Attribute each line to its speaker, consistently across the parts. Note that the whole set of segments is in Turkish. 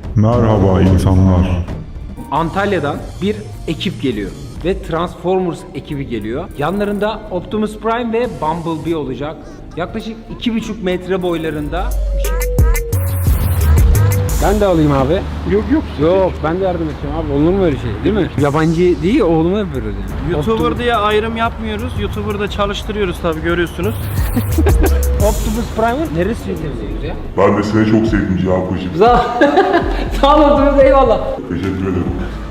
Speaker 1: Merhaba insanlar.
Speaker 2: Antalya'dan bir ekip geliyor ve Transformers ekibi geliyor. Yanlarında Optimus Prime ve Bumblebee olacak. Yaklaşık 2,5 metre boylarında. Ben de alayım abi. Yok ben de yardım edeceğim abi. Olur mu öyle şey değil mi? Yabancı değil oğluma yapıyoruz yani.
Speaker 3: YouTuber diye ayrım yapmıyoruz. YouTuber'da çalıştırıyoruz tabi görüyorsunuz.
Speaker 2: Optimus Prime'ın neresi temizliyoruz ya?
Speaker 1: Ben de seni çok sevdim Cihan.
Speaker 2: Sağ olun Optimus, eyvallah.
Speaker 1: Teşekkür ederim.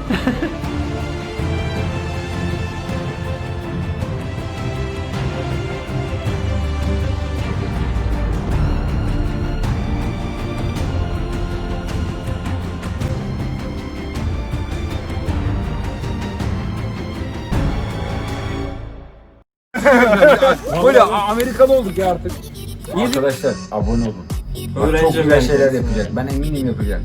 Speaker 2: Böyle Amerikalı olduk ya artık.
Speaker 4: Arkadaşlar abone olun. Bak,
Speaker 3: Öğrenci
Speaker 4: çok güzel
Speaker 3: ben.
Speaker 4: şeyler yapacak. Ben eminim yapacak.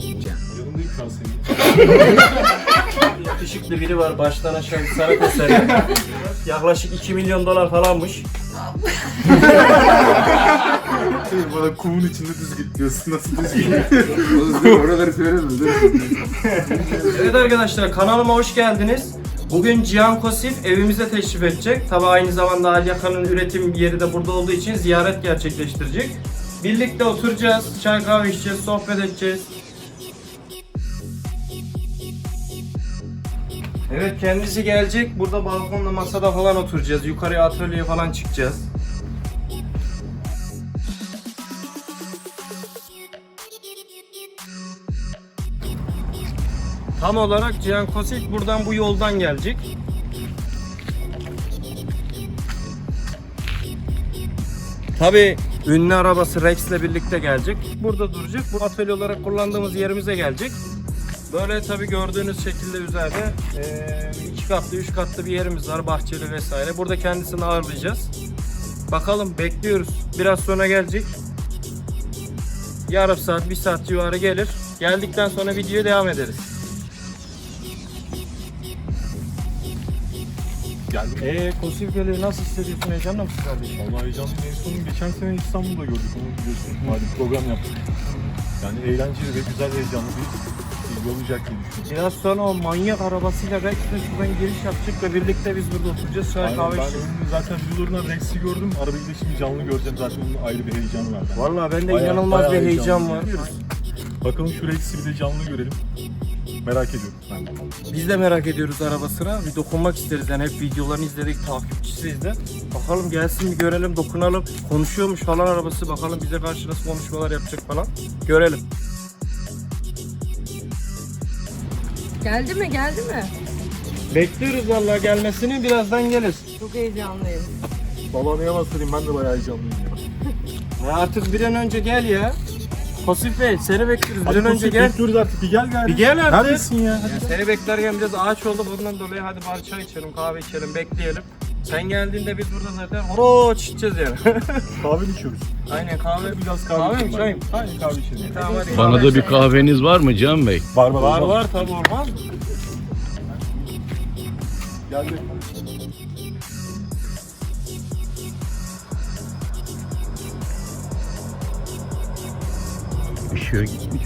Speaker 3: Yakışıklı biri var baştan aşağı bir sanat eseri. Yaklaşık 2 milyon dolar falanmış.
Speaker 5: Bana kumun içinde düz git diyorsun. Nasıl düz git?
Speaker 4: Oraları söyleme.
Speaker 3: Evet arkadaşlar kanalıma hoş geldiniz. Bugün Cihan Kosif evimize teşrif edecek. Tabi aynı zamanda Alyaka'nın üretim yeri de burada olduğu için ziyaret gerçekleştirecek. Birlikte oturacağız, çay kahve içeceğiz, sohbet edeceğiz. Evet kendisi gelecek. Burada balkonda masada falan oturacağız. Yukarıya atölyeye falan çıkacağız. Tam olarak Cihan Kosif buradan bu yoldan gelecek. Tabii ünlü arabası Rex'le birlikte gelecek. Burada duracak. Bu atölye olarak kullandığımız yerimize gelecek. Böyle tabii gördüğünüz şekilde üzerinde 2 katlı 3 katlı bir yerimiz var, bahçeli vesaire. Burada kendisini ağırlayacağız. Bakalım bekliyoruz. Biraz sonra gelecek. Yarım saat 1 saat civarı gelir. Geldikten sonra videoya devam ederiz. Kosif geliyor. Nasıl hissediyorsun? Heyecanlı mısın kardeşim?
Speaker 5: Vallahi heyecanlıyım. En son geçen sene İstanbul'da gördük onu biliyorsunuz. Malum program yaptık. Yani eğlenceli ve güzel heyecanlı bir yol olacak diye düşünüyorum.
Speaker 3: Biraz sonra o manyak arabasıyla Rex'le şuradan giriş yapacak ve birlikte biz burada oturacağız. Çay
Speaker 5: Aynen,
Speaker 3: kahve
Speaker 5: ben
Speaker 3: içeceğiz.
Speaker 5: onun zaten videolarından Rex'i gördüm. Arabayı da şimdi canlı göreceğim zaten onun ayrı bir heyecanı var.
Speaker 3: Vallahi bende
Speaker 5: Bayağı-
Speaker 3: inanılmaz bir
Speaker 5: bayağı
Speaker 3: heyecan
Speaker 5: heyecanlı.
Speaker 3: var.
Speaker 5: Bakalım şu Rex'i bir de canlı görelim. Merak ediyorum ben de.
Speaker 3: Biz de merak ediyoruz arabasına. Bir dokunmak isteriz yani hep videolarını izledik, takipçisiyiz de. Bakalım gelsin bir görelim, dokunalım. Konuşuyormuş falan arabası. Bakalım bize karşı nasıl konuşmalar yapacak falan. Görelim.
Speaker 6: Geldi mi? Geldi mi?
Speaker 3: Bekliyoruz vallahi gelmesini. Birazdan gelir.
Speaker 6: Çok heyecanlıyım.
Speaker 5: Vallahi ne yalan söyleyeyim ben de bayağı heyecanlıyım ya.
Speaker 3: Ya artık bir an önce gel ya. Kosif Bey seni bekliyoruz. Bir an önce gel.
Speaker 5: Bekliyoruz artık bir gel gari.
Speaker 3: Bir gel artık.
Speaker 5: Neredesin ya?
Speaker 3: Ya seni beklerken biraz ağaç oldu bundan dolayı hadi bari çay içelim, kahve içelim, bekleyelim. Sen geldiğinde biz burada zaten horoç içeceğiz yani.
Speaker 5: Kahve mi içiyoruz?
Speaker 3: Aynen kahve.
Speaker 5: Biraz
Speaker 3: Kahve
Speaker 5: kahve
Speaker 3: mi,
Speaker 5: içelim.
Speaker 3: çay mı?
Speaker 5: Aynen kahve içelim.
Speaker 3: Tamam hadi.
Speaker 7: Bana da bir kahveniz var mı Cihan Bey?
Speaker 5: Var
Speaker 3: Var tabi olmaz.
Speaker 5: Geldi.
Speaker 7: Işığa gitmiş.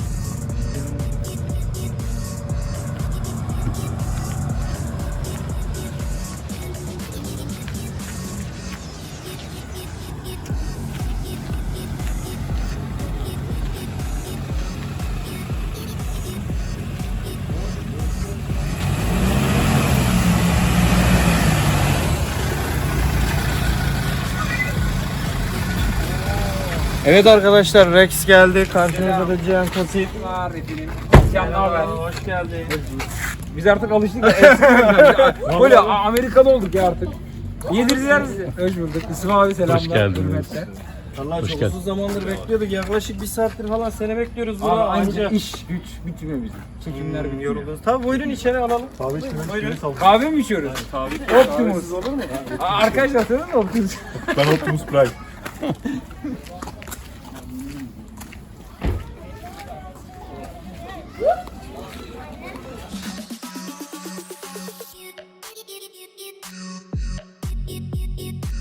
Speaker 3: Evet arkadaşlar Rex geldi. Karşınızda da Cihan Kosif. Hoş geldin.
Speaker 2: Biz artık alıştık. Böyle Amerikalı olduk ya artık. Yedirdiler bizi. Hoş bulduk. Yusuf abi selamlar.
Speaker 7: Hoş geldiniz.
Speaker 2: hürmetler.
Speaker 3: Allah çok
Speaker 7: geldin.
Speaker 3: uzun zamandır bekliyorduk. Yaklaşık 1 saattir falan seni bekliyoruz.
Speaker 2: Abi
Speaker 3: Burada
Speaker 2: ayrıca
Speaker 3: anca
Speaker 2: iş güç bitmiyor bizim. Çekimler bitmiyor.
Speaker 3: yoruldunuz. Tabii buyurun içeri alalım.
Speaker 5: Kahve içmemiz
Speaker 3: Buyurun.
Speaker 5: sağ olun.
Speaker 2: Kahve mi içiyoruz? Optimus.
Speaker 3: Olur mu?
Speaker 2: Arkadaşlar tanıyor musun Optimus?
Speaker 5: Ben Optimus Prime.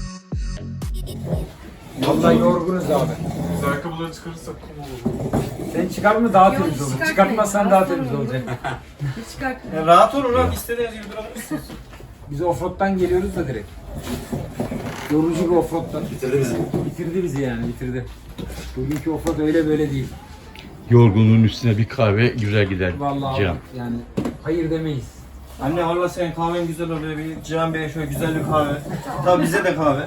Speaker 2: Vallahi yorgunuz abi.
Speaker 5: Biz ayakkabıları çıkarırsak kum olur.
Speaker 2: Sen çıkarma daha
Speaker 6: Yok,
Speaker 2: temiz olur.
Speaker 6: çıkartmayın.
Speaker 2: Çıkartmazsan daha temiz
Speaker 6: Çıkartmayın.
Speaker 2: olacak.
Speaker 6: Hiç çıkartma.
Speaker 3: Ya rahat olun abi, istediğiniz gibi durabilirsiniz.
Speaker 2: Biz offroad'dan geliyoruz da direkt. Yorucu bir offroad'dan. Bitirdi bizi yani, bitirdi. Bugünkü offroad öyle böyle değil.
Speaker 7: Yorgunluğun üstüne bir kahve güzel gider
Speaker 2: Vallahi
Speaker 7: Cihan.
Speaker 2: yani hayır demeyiz.
Speaker 3: Anne valla senin kahven güzel oluyor. Bir Cihan Bey'e şöyle güzel bir kahve. Tabii bize de kahve.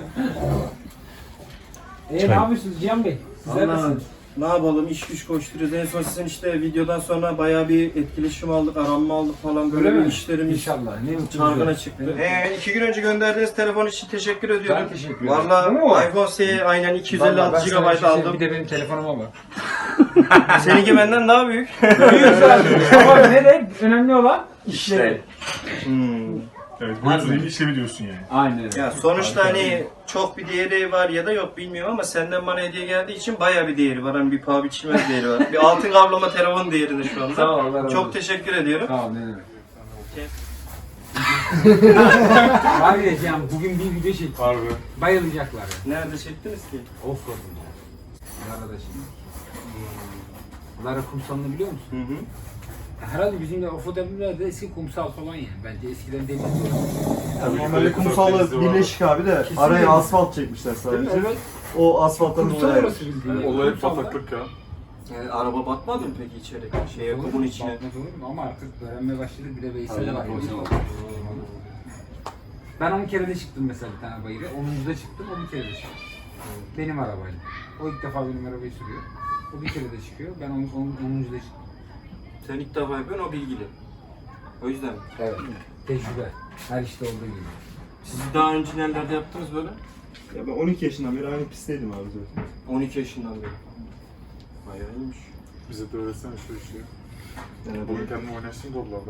Speaker 2: Ne yapıyorsunuz Cihan Bey? Sizler
Speaker 3: Vallahi
Speaker 2: nasılsınız?
Speaker 3: ne yapalım, iş güç koşturuyoruz. En son sizin işte videodan sonra bayağı bir etkileşim aldık, aranma aldık falan. Böyle
Speaker 2: Öyle
Speaker 3: bir
Speaker 2: mi?
Speaker 3: işlerimiz
Speaker 2: İnşallah. Ne mutlu
Speaker 3: çargına
Speaker 2: bize.
Speaker 3: çıktı. 2 gün önce gönderdiğiniz telefon için teşekkür ediyorum.
Speaker 2: Ben teşekkür ederim.
Speaker 3: Valla
Speaker 2: Bu mu?
Speaker 3: iPhone SE aynen
Speaker 2: Vallahi ben
Speaker 3: 256
Speaker 2: sana bir
Speaker 3: GB
Speaker 2: şey söyleyeyim,
Speaker 3: aldım.
Speaker 2: Bir de benim telefonuma bak.
Speaker 3: Seninki benden daha büyük.
Speaker 2: Ama ne de önemli olan işleri.
Speaker 5: Evet, bu yüzden işlemi diyorsun yani.
Speaker 2: Aynen öyle.
Speaker 3: Ya sonuçta hani çok bir değeri var ya da yok bilmiyorum ama senden bana hediye geldiği için bayağı bir değeri var. Hani bir paha biçilmez değeri var. Bir altın kaplama telefon değerinde şu anda.
Speaker 2: Sağ ol, Allah razı olsun.
Speaker 3: Çok teşekkür ediyorum.
Speaker 2: Tamam ne demek. Var ya Cihan bugün bir video çektik.
Speaker 5: Harbi.
Speaker 2: Bayılacaklar ya.
Speaker 3: Nerede çektiniz ki?
Speaker 2: Offroad'un ya. Lara'da şimdi. Lara kumsalını biliyor musun?
Speaker 3: Hı hı.
Speaker 2: Ya herhalde bizim de offroad yapımlar da eski kumsal falan yani. Bence eskiden deniz
Speaker 5: Tabii
Speaker 8: Normalde kumsalla birleşik abi de araya asfalt çekmişler sadece.
Speaker 2: Evet.
Speaker 8: O asfalttan
Speaker 2: Kumsal
Speaker 8: dolayı.
Speaker 2: orası bildiğin. yani.
Speaker 5: Olay
Speaker 2: Kumsalda-
Speaker 5: bataklık ya.
Speaker 3: Yani araba batmadı mı peki içeri? Şeye kumun içine.
Speaker 2: Batmaz olur mu? Ama artık öğrenmeye başladık. Bir de Veysel var. Ben 10 kere de çıktım mesela bir tane bayırı. 10'da çıktım, o bir kere de çıktım. Benim arabayla. O ilk defa benim arabayı sürüyor. O bir kere de çıkıyor. Ben 10'da çıktım.
Speaker 3: Sen ilk defa yapıyorsun, o bilgili. O yüzden mi?
Speaker 2: Evet. Tecrübe. Her işte olduğu gibi.
Speaker 3: Siz daha önce nelerde yaptınız böyle?
Speaker 8: Ya ben 12 yaşından beri aynı pistteydim abi zaten.
Speaker 3: 12 yaşından beri. Bayağı iyiymiş.
Speaker 5: Bize de öğretsene şu işi.
Speaker 3: Yani
Speaker 5: Bugün kendim oynarsın doblarda.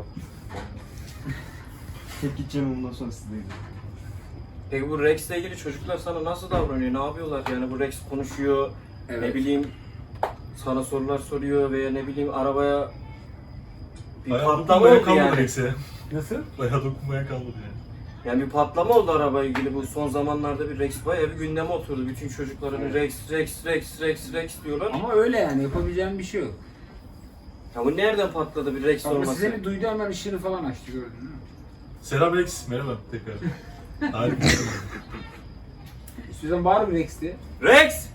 Speaker 8: Tek gideceğim ondan sonra size gideceğim.
Speaker 3: Peki bu Rex'le ilgili çocuklar sana nasıl davranıyor? Ne yapıyorlar? Yani bu Rex konuşuyor,
Speaker 2: Evet.
Speaker 3: ne bileyim sana sorular soruyor veya ne bileyim arabaya bir patlama oldu yani.
Speaker 5: Rex'e.
Speaker 2: Nasıl?
Speaker 5: Bayağı dokunmaya kalmadı yani.
Speaker 3: Yani bir patlama oldu arabaya ilgili. Bu son zamanlarda bir Rex bayağı bir gündeme oturdu. Bütün çocuklar hani Rex diyorlar.
Speaker 2: Ama öyle yani. Yapabileceğim bir şey yok.
Speaker 3: Ya bu nereden patladı bir Rex
Speaker 2: Ama
Speaker 3: olması?
Speaker 2: size bir duydu hemen ışığını falan açtı gördün mü?
Speaker 5: Selam Rex. Merhaba tekrar. Harika.
Speaker 2: İstiyorsan bağır bir Rex diye.
Speaker 3: Rex!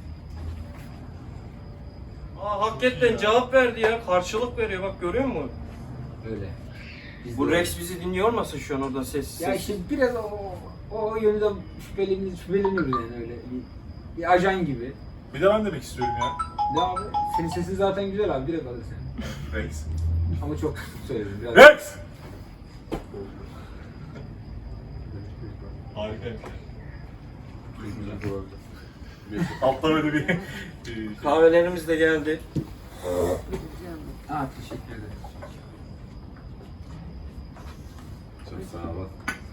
Speaker 3: Aa hakikaten cevap verdi ya. Karşılık veriyor bak, görüyor musun?
Speaker 2: Öyle. Biz
Speaker 3: Bu
Speaker 2: de-
Speaker 3: Rex bizi dinliyor olmasın şu an oradan sessiz
Speaker 2: Ya
Speaker 3: sessiz?
Speaker 2: işte biraz o yönüden şüpheleniyoruz yani öyle. Bir ajan gibi.
Speaker 5: Bir de ben demek istiyorum ya.
Speaker 2: Ya abi senin sesin zaten güzel abi direkt alır seni.
Speaker 5: Rex.
Speaker 2: Ama çok söyledim biraz.
Speaker 5: Rex! Harikaymış. Altta böyle bir...
Speaker 3: Kahvelerimiz de geldi.
Speaker 2: Ha teşekkür ederim.
Speaker 7: Çok sağ ol.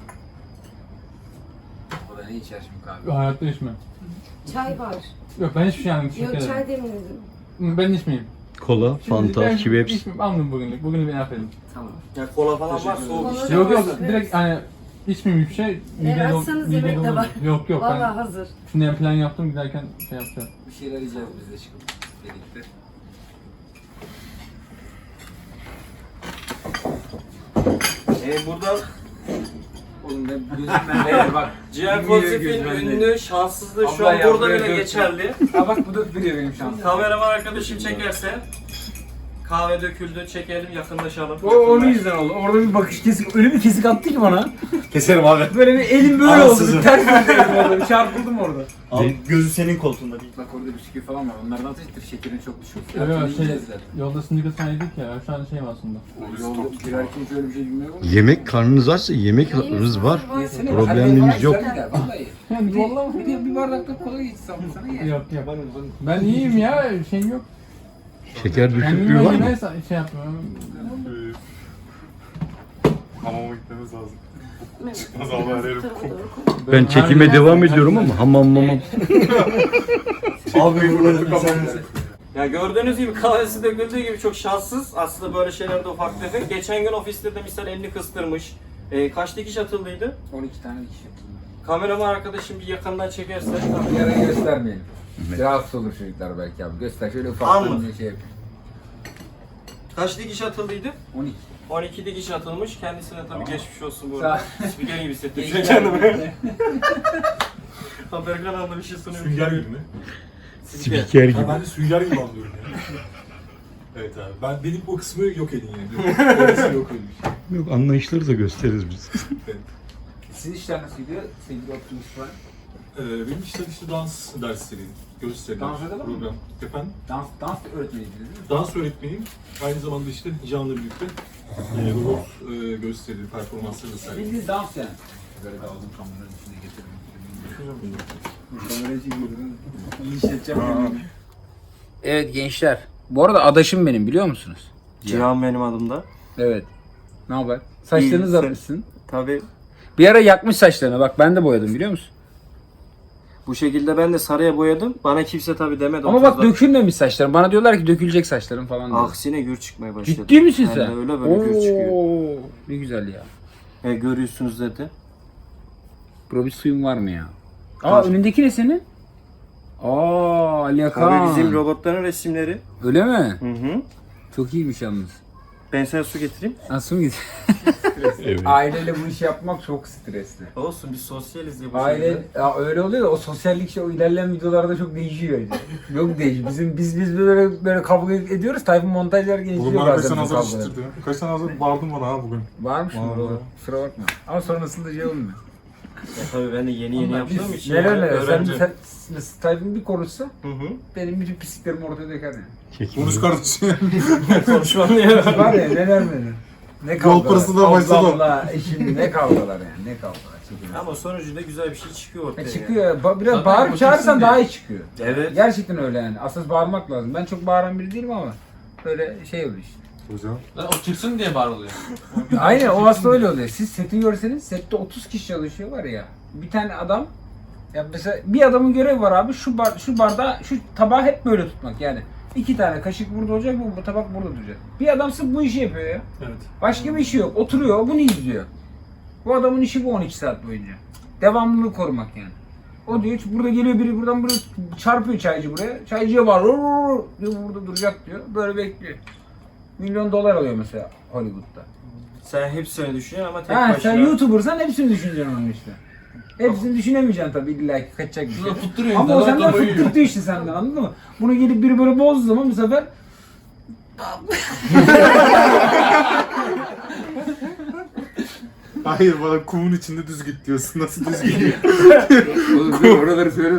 Speaker 2: O da ne içer şimdi kahve?
Speaker 9: Hayatta içmem.
Speaker 6: Çay var.
Speaker 9: Yok ben hiçbir şey almayayım.
Speaker 6: Yok
Speaker 9: Teşekkür
Speaker 6: çay
Speaker 9: ederim.
Speaker 6: demledim.
Speaker 9: Ben içmeyeyim.
Speaker 7: Kola, Fanta,
Speaker 9: Ben
Speaker 7: Schweppes.
Speaker 9: içmeyeyim. Almayayım bugünlük. Bugün beni affedin.
Speaker 2: Tamam.
Speaker 3: Ya kola falan var, soğuk
Speaker 6: Kola
Speaker 3: işte.
Speaker 9: Yok yok
Speaker 6: Evet.
Speaker 9: direkt hani içmeyeyim bir şey. Mideye dol-
Speaker 6: açsanız
Speaker 9: mideye
Speaker 6: yemek de
Speaker 9: dolur.
Speaker 6: var.
Speaker 9: Yok yok
Speaker 6: Vallahi
Speaker 9: ben
Speaker 6: hazır.
Speaker 9: şimdiden plan yaptım giderken şey yapacağım.
Speaker 2: Bir şeyler yiyeceğiz biz de çıkıp birlikte.
Speaker 3: Buradan
Speaker 2: Oğlum ben gözümden değer bak.
Speaker 3: Cihan
Speaker 2: Bilmiyor
Speaker 3: Konsept'in
Speaker 2: gözümden
Speaker 3: ünlü
Speaker 2: değer.
Speaker 3: şanssızlığı şu
Speaker 2: Abla
Speaker 3: an
Speaker 2: ya,
Speaker 3: burada
Speaker 2: buraya
Speaker 3: bile
Speaker 2: dök.
Speaker 3: geçerli.
Speaker 2: Ha bak bu da duruyor benim şansım.
Speaker 3: Kameraman arkadaşım çekerse kahve döküldü, çekelim, yakınlaşalım.
Speaker 2: O onun yüzden oldu. Orada bir bakış kesik, öyle bir kesik attı ki bana.
Speaker 8: Keserim abi.
Speaker 2: Böyle bir elim böyle oldu. Bir ters döndüm orada. Bir çarpıldım orada.
Speaker 8: Abi gözü senin koltuğunda değil.
Speaker 2: Bak orada bisküvi falan var. Onlardan atıştır. Şekerin çok düşük.
Speaker 9: Evet
Speaker 2: Fiyatını
Speaker 9: şey
Speaker 2: yiyeceğiz zaten.
Speaker 9: yolda sindikasına yedik ya. Şu an şeyim aslında.
Speaker 2: Yolda girerken şöyle bir şey bilmiyorum.
Speaker 7: Yemek karnınız açsa yemekiniz var.
Speaker 2: Yesene.
Speaker 7: Problemimiz
Speaker 2: Hadi
Speaker 7: yok.
Speaker 2: sen de, vallahi.
Speaker 9: Yani
Speaker 2: Bir,
Speaker 9: vallahi
Speaker 2: bir bardakta kola içsem sana ye.
Speaker 9: yok yok. Ben iyiyim ya. Şeyim yok.
Speaker 7: Şeker düşüklüğü
Speaker 9: Kendime
Speaker 7: var mı?
Speaker 9: yemeğe şey yapmıyorum.
Speaker 5: Hamama gitmemiz lazım. Çıkmaz abi her yerim kum.
Speaker 7: Ben çekime devam ediyorum ama hamam.
Speaker 8: Abi buraları sen
Speaker 3: Ya gördüğünüz gibi kahvesi döküldüğü gibi çok şanssız. Aslında böyle şeylerde ufak tefek. Geçen gün ofiste de misal elini kıstırmış. Kaç dikiş atıldıydı?
Speaker 2: 12 tane dikiş yaptım.
Speaker 3: Kameraman arkadaşım bir yakından çekerse.
Speaker 2: Yarayı göstermeyelim. Rahatsız olur çocuklar belki abi. Göster şöyle ufaktan
Speaker 3: Anladım.
Speaker 2: bir şey yapayım.
Speaker 3: Kaç dikiş atıldıydı?
Speaker 2: 12.
Speaker 3: 12 dikiş atılmış. Kendisine tabii geçmiş olsun bu
Speaker 2: Sağ-
Speaker 3: arada. Spiker gibi hissettim şu an
Speaker 2: Gençler
Speaker 3: kendimi. Haber kanalında bir şey sunuyorum.
Speaker 5: Sünger gibi mi?
Speaker 7: Spiker
Speaker 5: Ha,
Speaker 7: gibi.
Speaker 5: ben de sünger gibi anlıyorum ya. Evet abi. Benim o kısmı yok edin yani. Orası yok edin.
Speaker 7: Yok, anlayışları da gösteririz biz.
Speaker 2: Sizin işler nasıl gidiyor sevgili Optimus Prime?
Speaker 5: Benim işte dans dersleri, gösteriler,
Speaker 2: Dans edelim mi?
Speaker 5: program. Efendim?
Speaker 2: Dans öğretmeniydiniz değil mi?
Speaker 5: Dans öğretmeniyim. Aynı zamanda işte Can'la birlikte robot gösteri, performansları da sergiliyorum.
Speaker 2: Bildiğin dans yani. Böyle de aldım kameranın içine getirdim. Kamerayı çekiyorum. İyi işleteceğim. Evet gençler. Bu arada adaşım benim biliyor musunuz?
Speaker 3: Cihan benim adımda.
Speaker 2: Evet. Ne haber? Saçlarını
Speaker 3: İyi,
Speaker 2: uzatmışsın.
Speaker 3: Tabii
Speaker 2: Bir ara yakmış saçlarını. Bak ben de boyadım biliyor musun?
Speaker 3: bu şekilde ben de sarıya boyadım. Bana kimse tabii demedi.
Speaker 2: Ama bak
Speaker 3: 30'da.
Speaker 2: dökülmemiş saçlarım. Bana diyorlar ki dökülecek saçlarım falan diyor.
Speaker 3: Aksine gür çıkmaya başladı.
Speaker 2: Ciddi misin
Speaker 3: Ben
Speaker 2: sen?
Speaker 3: de öyle böyle gür çıkıyor.
Speaker 2: Oo, ne güzel ya.
Speaker 3: Görüyorsunuz dedi.
Speaker 2: Bro bir suyun var mı ya? Aa
Speaker 3: Var.
Speaker 2: önündeki ne senin? Aa Ali Yakan.
Speaker 3: Tabii bizim robotların resimleri.
Speaker 2: Öyle mi?
Speaker 3: Hı hı.
Speaker 2: Çok iyiymiş yalnız.
Speaker 3: Ben sana su getireyim.
Speaker 2: Nasıl mı
Speaker 7: Evet.
Speaker 2: Aileyle bu işi yapmak çok stresli.
Speaker 3: Olsun biz sosyaliz diye bu
Speaker 2: Aile
Speaker 3: şekilde.
Speaker 2: ya öyle oluyor da o sosyallik şey o ilerleyen videolarda çok değişiyor. Yok değişiyor. Biz böyle kavga ediyoruz. Tayfun montajlar
Speaker 5: Bugün
Speaker 2: geçiyor
Speaker 5: bana kaç
Speaker 2: bazen
Speaker 5: tane
Speaker 2: bu
Speaker 5: hazır
Speaker 2: kavgaları.
Speaker 5: işittirdi. Kaç tane hazır bağırdın bana ha bugün.
Speaker 2: Varmış mı?
Speaker 5: Var,
Speaker 2: Bro?
Speaker 5: var.
Speaker 2: Kusura bakma. Ama sonrasında şey olmuyor.
Speaker 3: Tabii ben de yeni yaptığım için.
Speaker 2: Neler
Speaker 3: yani
Speaker 2: neler.
Speaker 3: öğrenci.
Speaker 2: Sen Tayfun bir konuşsa
Speaker 3: Hı hı.
Speaker 2: benim bütün pisliklerimi ortaya döker yani.
Speaker 5: Konuş kardeşim.
Speaker 3: Konuşmam ya.
Speaker 2: Var ya neler neler. Ne kavgalar.
Speaker 5: Yol parası da başladı.
Speaker 2: Ablamla eşim ne kavgalar yani. Ne kavgalar. Çekilir.
Speaker 3: Ama sonucunda güzel bir şey çıkıyor ortaya.
Speaker 2: Çıkıyor. Biraz bağırıp çağırırsan daha iyi çıkıyor.
Speaker 3: Evet.
Speaker 2: Gerçekten öyle yani. Asıl bağırmak lazım. Ben çok bağıran biri değilim ama böyle şey oluyor işte.
Speaker 5: Hocam.
Speaker 9: O çıksın diye bağırılıyor.
Speaker 2: Aynen o aslında öyle oluyor. Siz seti görseniz sette 30 kişi çalışıyor var ya. Bir tane adam ya mesela bir adamın görevi var abi şu bardağı şu tabağı hep böyle tutmak yani. 2 tane kaşık burada olacak bu tabak burada duracak. Bir adam sırf bu işi yapıyor ya.
Speaker 5: Evet.
Speaker 2: Başka bir işi yok. Oturuyor bunu izliyor. Bu adamın işi bu 12 saat boyunca. Devamlılığı korumak yani. O diyor burada geliyor biri buradan buraya çarpıyor çaycı buraya. Çaycıya var diyor burada duracak diyor. Böyle bekliyor. $1 milyon alıyor mesela Hollywood'da.
Speaker 3: Sen hepsini düşünüyorsun ama tek
Speaker 2: Ha
Speaker 3: başına.
Speaker 2: sen YouTuber'san hepsini düşüneceksin onun işte. Hepsini düşünemeyeceksin tabii illa ki kaçacak bir şey.
Speaker 9: Tutturuyor
Speaker 2: Ama o
Speaker 9: insanlar,
Speaker 2: senden
Speaker 9: kafayı yiyor.
Speaker 2: fıttırtıyor işte senden anladın mı? Bunu gelip biri böyle bozduğu zaman bu sefer
Speaker 5: Hayır bana kumun içinde düz git diyorsun. Nasıl düz gidiyor?
Speaker 2: Oğlum oraları söyleme.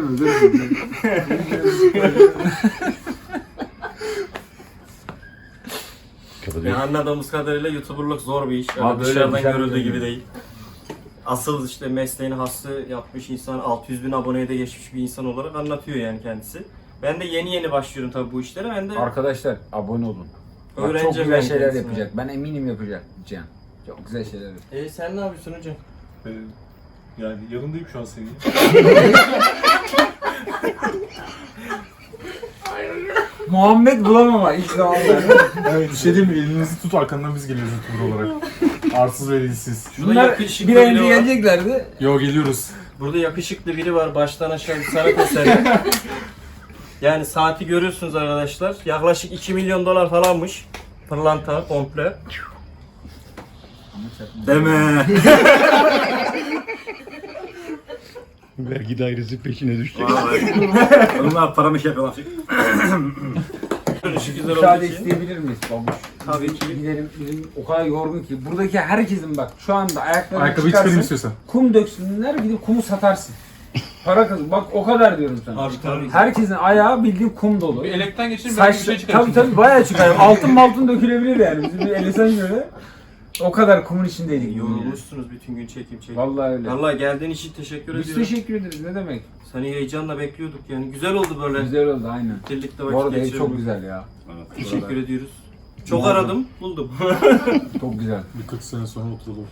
Speaker 3: Yani anladığımız kadarıyla YouTuber'lık zor bir iş. Öyle
Speaker 2: Abi öyle
Speaker 3: dışarıdan
Speaker 2: güzel
Speaker 3: görüldüğü
Speaker 2: bir
Speaker 3: gibi
Speaker 2: şey.
Speaker 3: değil. Asıl işte mesleğini hası yapmış insan, 600.000 aboneye de geçmiş bir insan olarak anlatıyor yani kendisi. Ben de yeni başlıyorum tabii bu işlere. Ben de
Speaker 2: Arkadaşlar abone olun. Bak, çok
Speaker 3: öğrenci
Speaker 2: güzel
Speaker 3: ben
Speaker 2: şeyler
Speaker 3: kendisine.
Speaker 2: yapacak. Ben eminim yapacak Cihan. Çok güzel şeyler yapacak.
Speaker 3: Sen ne yapıyorsun hocam?
Speaker 5: Yani yanındayım şu an senin.
Speaker 2: Muhammed bulamama ilk zamanda.
Speaker 5: Evet, bir şey diyeyim mi? Elinizi tut arkandan biz geliyoruz YouTuber olarak. Arsız ve dilsiz.
Speaker 3: Şurada
Speaker 2: Bunlar
Speaker 3: yakışıklı
Speaker 2: bir
Speaker 3: biri
Speaker 2: ay önce
Speaker 3: var.
Speaker 2: geleceklerdi.
Speaker 5: Yo geliyoruz.
Speaker 3: Burada yakışıklı biri var. Baştan aşağı bir sanat eseri. Yani saati görüyorsunuz arkadaşlar. Yaklaşık $2 milyon falanmış. Pırlanta komple. Deme.
Speaker 7: Vergi dairesi peşine düşecek.
Speaker 3: Onlar paramı şey yapıyorlar. Görünüşü güzel olduğu
Speaker 2: Müsaade
Speaker 3: için.
Speaker 2: isteyebilir miyiz babuş?
Speaker 3: Tabii ki.
Speaker 2: Gidelim bizim o kadar yorgun ki. Buradaki herkesin bak şu anda ayaklarını
Speaker 5: Ayakkabıyı çıkarayım
Speaker 2: çıkarsın.
Speaker 5: istiyorsan.
Speaker 2: Kum döksünler gidip kumu satarsın. Para kazan. Bak o kadar diyorum sana.
Speaker 3: Abi tabii.
Speaker 2: Herkesin ayağı bildiğin kum dolu.
Speaker 9: Bir elekten geçirin belki bir şey çıkar.
Speaker 2: Tabii tabii bayağı çıkar. Altın dökülebilir yani. Bizim bir elesen göre. O kadar kumun içindeydik.
Speaker 3: Yorulmuşsunuz bütün gün çekim.
Speaker 2: Vallahi öyle.
Speaker 3: Vallahi geldiğin için teşekkür
Speaker 2: Biz
Speaker 3: ediyorum.
Speaker 2: teşekkür ederiz. Ne demek?
Speaker 3: Seni heyecanla bekliyorduk yani. Güzel oldu böyle.
Speaker 2: Güzel oldu aynen.
Speaker 3: Birlikte
Speaker 2: Bu
Speaker 3: vakit
Speaker 2: arada ev
Speaker 3: geçirelim.
Speaker 2: çok güzel ya.
Speaker 3: Teşekkür ediyoruz. Çok aradım, buldum.
Speaker 2: Çok güzel.
Speaker 5: Bir 40 sene sonra oturalım.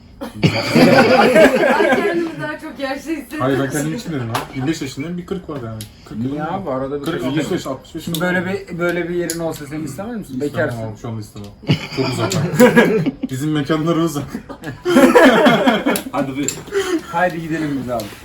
Speaker 6: Ben kendimi daha çok yaşlı hissediyorum.
Speaker 5: Hayır ben kendim için dedim ha. 25 yaşındayım bir 40 var yani. 40
Speaker 2: Niye abi arada bir
Speaker 5: 40, 55, 65
Speaker 2: Şimdi böyle bir yerin olsa sen istemez misin? Bekarsın.
Speaker 5: İstemem abi, şu anda istemem. Çok uzak. Bizim mekanlar uzak.
Speaker 3: Hadi bir.
Speaker 2: Haydi gidelim biz abi.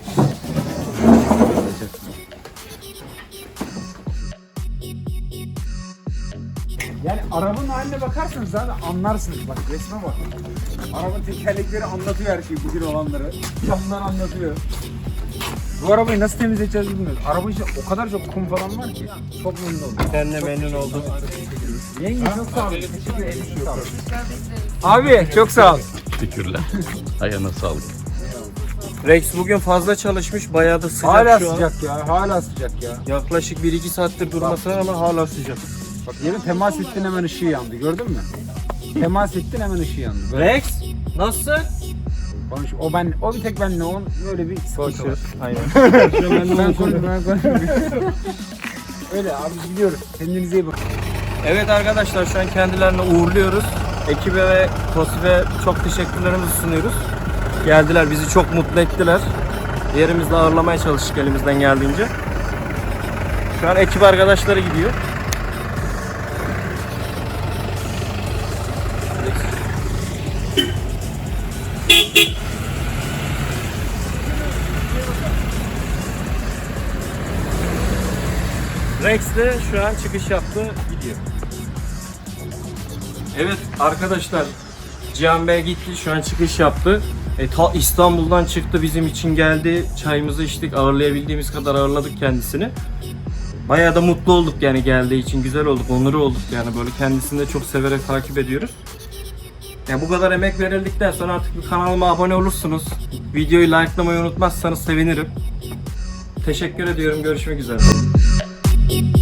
Speaker 2: Yani arabanın haline bakarsanız zaten anlarsınız. Bak resme bak. Arabanın tekerlekleri anlatıyor her şeyi, bugün olanları. Camlar anlatıyor. Bu arabayı nasıl temizleyeceğiz bilmiyoruz. Araba içinde o kadar çok kum falan var ki. Çok memnun oldum.
Speaker 3: Ben de memnun oldum.
Speaker 2: Yenge çok sağ olun. Teşekkür ederim. Sağ olun. Abi çok sağ ol.
Speaker 7: Teşekkürler. Ayağına sağlık.
Speaker 3: Rex bugün fazla çalışmış, bayağı da sıcak
Speaker 2: Hala
Speaker 3: şu an.
Speaker 2: sıcak ya. Hala sıcak ya.
Speaker 3: Yaklaşık 1-2 saattir durmasına ama hala sıcak.
Speaker 2: Bak yeni temas ettin hemen ışığı yandı. Gördün mü? Temas ettin hemen ışığı yandı. Böyle
Speaker 3: Rex, nasılsın?
Speaker 2: konuş. O bir tek benle on böyle bir sıkıntı var.
Speaker 3: Aynen.
Speaker 2: Ben konuşuyorum. Öyle abi gidiyoruz. Kendinize iyi bakın.
Speaker 3: Evet arkadaşlar, şu an kendilerini uğurluyoruz. Ekibe ve Tosif'e çok teşekkürlerimizi sunuyoruz. Geldiler, bizi çok mutlu ettiler. Yerimizde ağırlamaya çalıştık elimizden geldiğince. Şu an ekip arkadaşları gidiyor. Rex de şu an çıkış yaptı, gidiyor. Evet arkadaşlar, Cihan Bey gitti, şu an çıkış yaptı. Ta İstanbul'dan çıktı, bizim için geldi. Çayımızı içtik, ağırlayabildiğimiz kadar ağırladık kendisini. Bayağı da mutlu olduk yani geldiği için, güzel olduk, onur olduk yani, böyle kendisini de çok severek takip ediyoruz. Yani bu kadar emek verildikten sonra artık bir kanalıma abone olursunuz. Videoyu likelamayı unutmazsanız sevinirim. Teşekkür ediyorum, görüşmek üzere.